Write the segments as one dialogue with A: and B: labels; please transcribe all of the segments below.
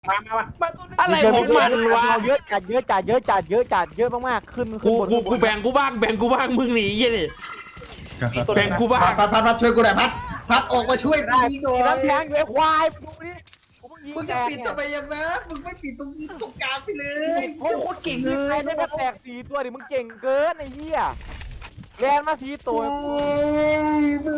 A: อะไรของมันวะ
B: เยอะจัดเยอะจัดเยอะจัดเยอะจัดเยอะมากๆขึ้น
A: กูแบ่งกูบ้างมึงหนียี่ดิแบ่งกูบ้าง
C: พัดช่วยกูหน่อยพัดออกมาช่วยกูยิงหน่อย
B: น้ำแข็งอยู่ไอ้ควายดูดิ
C: มึงจะปิดทำไมอย่างนั้นมึงไม่ปิดตรงนี้ตรงกลางไปเลย
B: โอ้โคตรเก่งเลยไม่ได้แตก4 ตัวดิมึงเก่งเกินไอ้เหี้ยแลนมา4 ตัว
C: โอ้ยมึ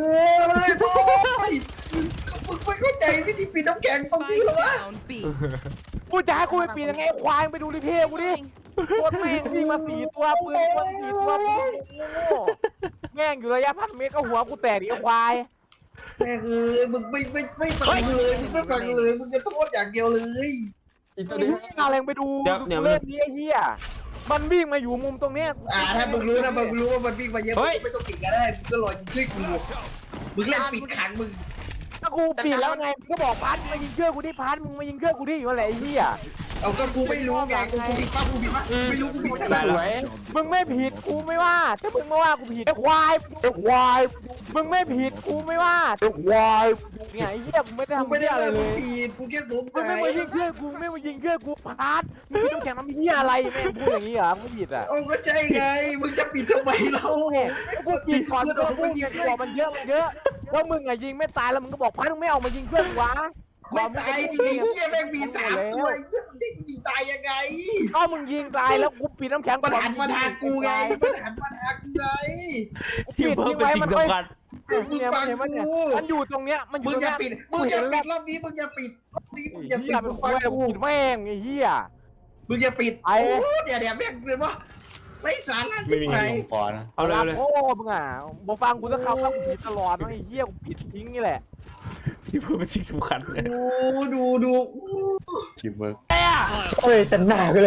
C: งไม่เข้าใจวิธีปิดน้ำแข็งตรงนี้หรอวะ
B: กูจะให้กูไปปีนยังไงควายไปดูรีเพย์กูดิโคตรแม่งวิ่งมา4 ตัวปืน4 ตัวแม่งอยู่ระยะ1,000 เมตรก็หัวกูแตกดิควาย
C: แม่เอ้ยมึงไม่ฟังเลยมึงไม่ฟังเลยมึงจะโทษอย่างเดียวเลย
B: เอาแรงไปดูเล่นนี้ไอ้เหี้ยมันวิ่งมาอยู่มุมตรงเนี้ย
C: ถ้ามึงรู้นะมึงรู้ว่ามันวิ่งมาเยอะมึงไม่ต้องปิดก็ได้มึงก็รอยิงช่วยกูมึงเล่นปิดขังมึง
B: ถ้ากูปิดแล้วไงมึงก็บอกพัดมายิงเชื่อกูดิพัดมึงมายิงเชื่อกูดิอยู่อะไรไอ้เหี้ย
C: เอาก็กูไม่รู้ไงกูผิดป่ะไม่รู้กูผิดอะไร
B: มึงไม่ผิดกูไม่ว่าถ้ามึงมาว่ากูผิดไอ้ควายมึงไม่ผิดกูไม่ว่าไอ้ควายเนี่ยไอ้เหี้ยมึงไม่ได้
C: กู
B: ทำ
C: ไม่ได้
B: อะไร
C: ว่า
B: เล
C: มึง
B: ย
C: ผิดกูแค่สง
B: มึง
C: สั
B: ไม่
C: ย
B: มายิงเชื่อกูไม่มายิงเชื่อกูพัดมึงไม่ต้องแข่งน้ำเหี้ยอะไรแม่งพูดอย่างนี้เหรอมึงผิดอ่ะ
C: โอ้ก็ใช่ไงมึงจะปิดทำไมเรา
B: กูผิดก่อนกูพูดไงบอกมันเยอะว่ามึงอะยิงไม่ตายแล้วมึงก็บอกพัดมึงไม่เอามายิงเพื่อนวะ
C: ไม่ตายดิเฮียแม่งมี3 ตัวเฮียมึงยิงตายยังไง
B: ก็มึงยิงตายแล้วกูปิดน้ำแข็ง
C: มันหันมาทางกูไงมันหันมาทางกูไง
A: ที่เพิ่มเป็นสิ่งสำคัญ
B: เนี่ยมันอยู่ตรงเนี้ยมันอ
C: มึ
B: ยู่
C: ง
B: ตรง
C: อย่า
B: เนี้ย
C: ปิดมึงอย่าปิดรอบนี้มึงอย่าปิดรอบนี้มึงอย่าปิด
B: มึ
C: มึ
B: ง
C: ง
B: ฟั
C: ฟั
B: ง
C: ง
B: กู
C: กู
B: ปิดแม่งไอ้เหี้ย
C: มึงอย่าปิด
B: ไอ้
C: เดี๋ยวแม่งเลยว่าไม่สาระ
D: ไม่
C: ที่
D: มี
C: ไหน
D: เงินลงคอนะ
A: เอาเลย
B: โอ้มึงอ่ะบอกฟังกูจะเข้ากูผิดตลอดไอ้เหี้ยกูผิดทิ้งนี่แหละ
A: ที่เพิ่มเป็นสิ่งสำคัญเลย
C: ดู
D: ทีมเวิร์ก
B: เฮ้ยแต่หน้าก็เลย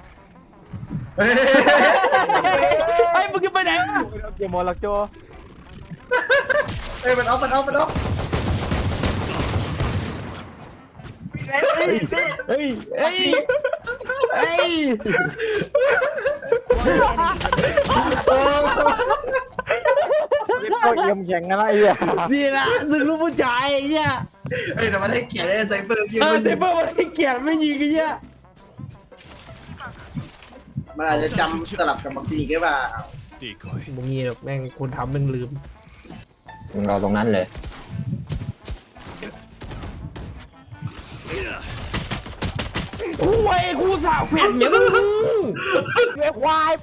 A: ไอ้มึงจะไปไหน
B: เกมมอลลักโจ
C: เฮ้ยมันเอาเฮ้ย
B: ก็เยี่ยมแข่งกันแล้วไอ้เหี้ย
A: นี่นะมึงรู้ผู้ชายไอ้เหี้ย
C: เฮ้ยแต่มันให้เกียรติไซเฟอร์
A: เซเบอร์มันให้เกียรติไม่ยิงไอ้เหี้ย
C: มันอาจจะจำสลับกับบางทีก็ว่า
A: มึงงี้หรอกแม่งคนทำแม่งลืม
D: มึงรอตรงนั้นเลย
A: โอ้ยกูสาวเปลี่ยนเนี่ยมึง
B: ไอ้ควาย